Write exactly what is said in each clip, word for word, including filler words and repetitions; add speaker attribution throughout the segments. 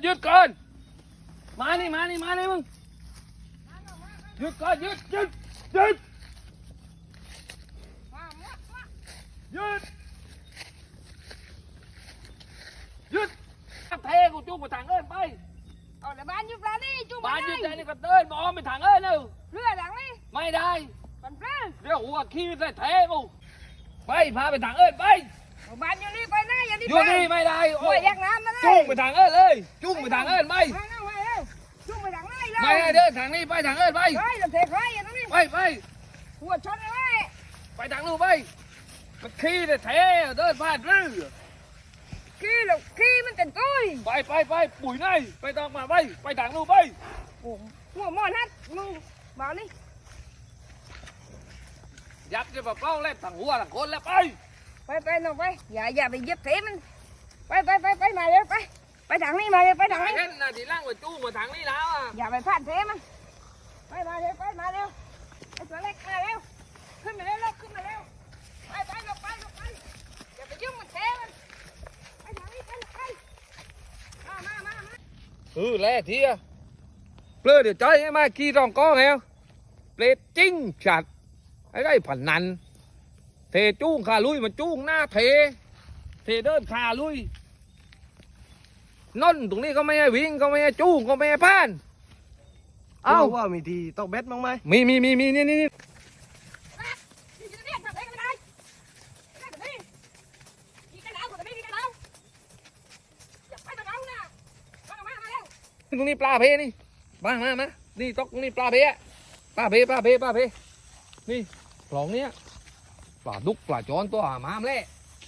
Speaker 1: ยุดก่อนมานี่มานี่มานี่มึงหยุดก่อนหยุดหยุดหยุดหยุดหยุดเทกูจูงมาทางเอิญไป
Speaker 2: เอาแต่บ้านยุบร้านนี่จุ่ม
Speaker 1: บ้านหยุดใจนี่ก็เดินมองไปทางเอิญเลย
Speaker 2: เรือหลังนี่
Speaker 1: ไม่ได้
Speaker 2: มันเรือ
Speaker 1: เดี๋ยวหัวขี้ใส่เทกูไปพาไปทางเอิญไป
Speaker 2: บ้านอยู่นี่ไปนะอย่านี่
Speaker 1: อยู่นี่ไม่ได้
Speaker 2: โอ้ยยักน้ำมาเลย
Speaker 1: จุ้งไปทางเอิญเลยจุ้งไปทางเอิญไป
Speaker 2: ไปนั่งไปเร็วจุ่มไปทางนี่เลย
Speaker 1: ไม่ได้เดินทางนี้ไปทางเอิญไป
Speaker 2: ไปเราเทใครอย่างนี้
Speaker 1: ไปไป
Speaker 2: หัวชนเลย
Speaker 1: ไปทางนู้นไปมันขี้ใส่เทเดินผ่านเรือ
Speaker 2: ขี้เราขี้มันเป็นกุ้ย
Speaker 1: ไปไปไปปุ๋ยในไปตองมาไปไปทางนู้นไป
Speaker 2: โอ้หัวหมอนฮัทมึงมานี่
Speaker 1: ยับจะแบบเล่าเล่นต่างหัวต่างคนแล้วไป
Speaker 2: ไปไปน้องไปอย่าอย่าไปเย็บเทมันไปไปไปไปมาเร็วไปไปทางนี้มาเร็วไปทางนี้
Speaker 1: เห็นนะทีล่างว่าจู้มาทางนี้แล้วอ่ะ
Speaker 2: อย่าไปพลาดเทมันไปมาเร็วไปมาเร็วไอ้ตัวเล็กมาเร็วขึ้นมาเร็วขึ้นมาเร็วไปไปลงไปลงไปอย่าไปยุ่งมันเทมันไปทางนี้ไปไปมามามามา
Speaker 1: ừ lẽ thì plơ để chơi ấy mà khi rong có nghe plê chính chặt ấy đây phần nằn thề chuông khà lui mà chuông na thề thề đơn khà lui non tụiนี้ก็ไม่ให้วิ่งก็ไม่ให้จู้ก็ไม่ให้พาน
Speaker 3: เอ้าว่ามีทีตกเบ็ดมั้งไหม
Speaker 1: มีมีมีมีนี่นี่นี่ตรงนี้ปลาเพนี่มามามานี่ตกตรงนี้ปลาเพปลาเพปลาเพปลาเพนี่คลองเนี้ยปลาดุกปลาจอนตัวหามามเลย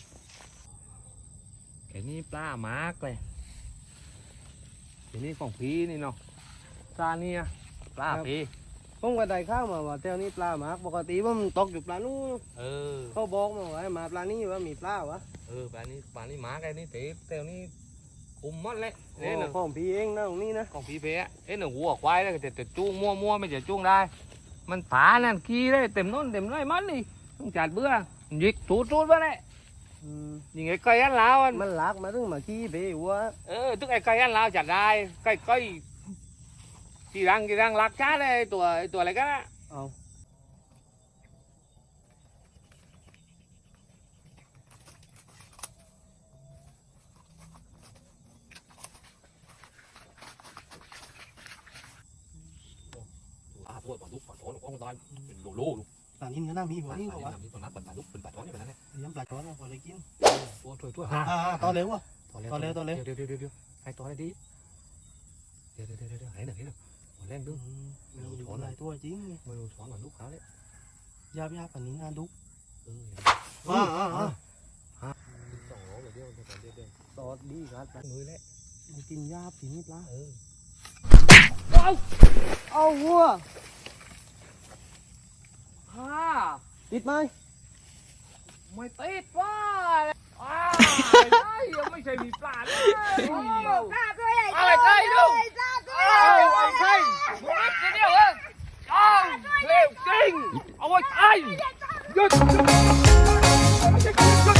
Speaker 1: ไอ้นี่ปลาหมากเลยไอ้นี่ของพีนี่เนาะซาเนี่ยปลาเพ
Speaker 3: ผมก็ได้ข้าวมาว่าเท่านี้ปลาหมากปกติผมตกอยู่ปลานู้น
Speaker 1: เออ
Speaker 3: เขาบอกมาว่ามาปลานี้ว่ามีปลาวะ
Speaker 1: เออปลานี้ปลานี้หมากไอ้นี่เต๋เต๋วนี่คุมหมดเลย
Speaker 3: เอ้ยของพี่เองนะตรงนี้นะ
Speaker 1: ของพี่เพะเอ้ยหนูหัวควายแล้วแต่แต่จูงมั่วมั่วไม่จะจูงได้มันผานั่นขี้ได้เต็มโน่นเต็มไรมันนี่ต้องจัดเบื่อยิกถูดถูดไปเลยยิงไอ้ไก่อันลาว
Speaker 3: มันหลักมาถึงมาขี้ไปหัว
Speaker 1: เออตึกไอ้ไก่อันลาวจัดได้ไก่ไก่กี่รังกี่รังลักช้าเลยตัวตัวอะไรกันนะ
Speaker 3: เอา
Speaker 1: พวกปลาดุกปลาช้อนของตายเป็นโลโลลูก
Speaker 3: ปลานิ่มก็น่ามีหัวนี่เหรอวะ
Speaker 1: ตัวนั้นปลาดุกเป็นปลาช้อนอย่างนั้นแหละ
Speaker 3: ยังปลาช้อนพอเลยกิน
Speaker 1: ตัวถ้วยถ้วย
Speaker 3: อ่าต่อเร็ววะต่อเร็วต่อเร็ว
Speaker 1: เดี๋ยวเดี๋ยวเดี๋ยวเดี๋ยวให้ต่อได้ดีเดี๋ยวเดี๋ยวเดี๋ยวเดี๋ยวให้หนึ่งให้หนึ่งหัวแรงดึง
Speaker 3: ไม่รู้ช้อนอะไรตัวจริง
Speaker 1: ไม่รู้ช้อนปลาดุกเขาเลย
Speaker 3: ยาบยาปลานิ่มน่าดุ
Speaker 1: เออ
Speaker 3: อ่าอ่าอ่า
Speaker 1: สองเดี๋ยวเดี๋ยวเดี๋ยวเดี๋ยว
Speaker 3: ซอสดีครับ
Speaker 1: มือเลย
Speaker 3: มันกินยาบทีนี้ปลา
Speaker 1: เออ
Speaker 3: เอาเอาวัว
Speaker 1: ฮ่า
Speaker 3: ติดไหม
Speaker 1: ไม่ติดว่าอ้าวไม่ได้ยังไม่ใช่มีปลาเลย
Speaker 2: ปลาตัวใหญ่
Speaker 1: อะไรไก่ดูเอาไอ้ไก่หมดเดียวเองเอาเร็วจริงเอาไว้ตายหยุดไม่ใช่หยุดหยุด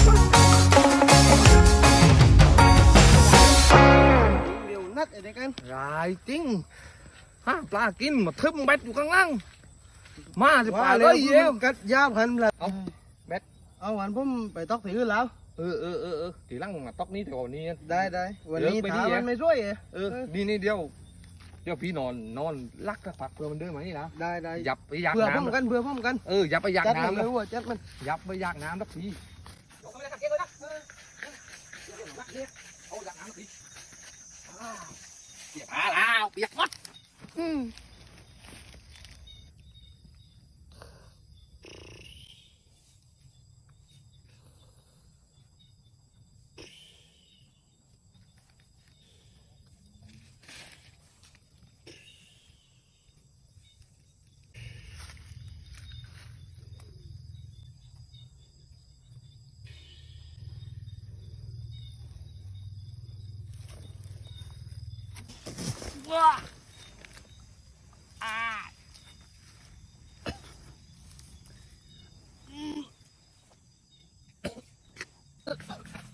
Speaker 3: เร็วนักไอ้เด็กกัน
Speaker 1: รายจริงฮะปลากินมาทึบเบ็ดอยู่ข้างล่างมาสิปลาเลยเยี่ยม
Speaker 3: กัดยาพันละ
Speaker 1: เอาเบ็ด
Speaker 3: เอาวันผมไปตอกถือแล้ว
Speaker 1: เออเออเออเออทีหลังมาตอกนี้แต่วันนี้
Speaker 3: ได้ได้วันนี้ถามมันไม่ช่วย
Speaker 1: เออนี่นี่เดียวเดี๋ยวพี่นอนนอนลักกระปักเพื่อมันเดินมานี่นะ
Speaker 3: ได้ได้
Speaker 1: ยับไปยัก
Speaker 3: น้ำ
Speaker 1: เพื่อ
Speaker 3: พ่อมกันเพื่อพ่อมกัน
Speaker 1: เออยับไปยักน้ำ
Speaker 3: เลยว่ะจัดมัน
Speaker 1: ยับไปยักน้ำนักทีเอายักน้ำนักทีเปียกมาแล้วเปียกหมดอืมว้าอ่า